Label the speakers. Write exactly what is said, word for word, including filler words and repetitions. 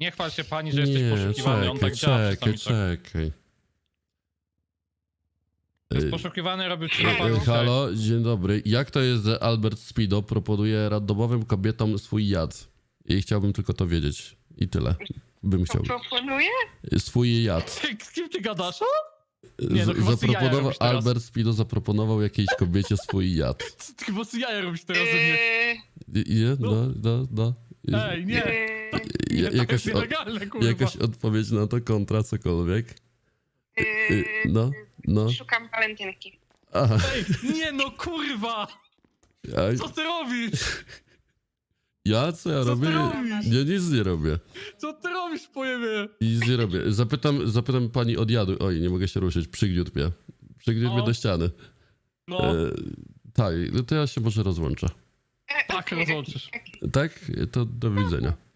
Speaker 1: Nie chwal się pani, że jesteś
Speaker 2: Nie,
Speaker 1: poszukiwany, on
Speaker 2: czekaj,
Speaker 1: tak działa
Speaker 2: czekaj,
Speaker 1: czasami. Tak.
Speaker 2: czekaj.
Speaker 1: Jest
Speaker 2: Ej,
Speaker 1: poszukiwany, robił ci na
Speaker 2: ej,
Speaker 1: panu
Speaker 2: halo, dzień dobry. Jak to jest, że Albert Speedo proponuje randomowym kobietom swój jad? I chciałbym tylko to wiedzieć. I tyle. Bym chciał.
Speaker 3: Proponuję?
Speaker 2: Swój jad.
Speaker 1: seks. Z kim ty gadasz? Nie, no
Speaker 2: Z-
Speaker 1: chyba sobie jaja
Speaker 2: zaproponował,
Speaker 1: robisz teraz.
Speaker 2: Albert Speedo zaproponował jakiejś kobiecie swój jad.
Speaker 1: Co ty chyba sobie jaja robisz teraz ze mnie?
Speaker 3: Yy,
Speaker 2: I- Nie? No, no, no.
Speaker 1: Ej, nie.
Speaker 3: yy,
Speaker 2: Ja-
Speaker 1: Nie, to
Speaker 2: jakaś,
Speaker 1: jest
Speaker 2: o,
Speaker 1: nielegalne, kurwa.
Speaker 2: jakaś odpowiedź na to, kontra, cokolwiek. Y,
Speaker 3: yy,
Speaker 2: No, no.
Speaker 3: Szukam walentynki.
Speaker 2: Aha.
Speaker 1: Ej, nie no, kurwa!
Speaker 2: Ja,
Speaker 1: Co ty robisz?
Speaker 2: ja co ja
Speaker 1: Co ty
Speaker 2: robię?
Speaker 1: robisz?
Speaker 2: Ja nic nie robię.
Speaker 1: Co ty robisz, pojebie?
Speaker 2: Nic nie robię. Zapytam, zapytam pani od jadu. Oj, nie mogę się ruszyć. Przygniótł mnie. Przygniótł mnie
Speaker 1: O.
Speaker 2: do ściany.
Speaker 1: No,
Speaker 2: E, tak, no to ja się może rozłączę.
Speaker 3: E,
Speaker 1: tak
Speaker 3: okej,
Speaker 1: rozłączysz.
Speaker 3: okej.
Speaker 2: Tak? To do widzenia.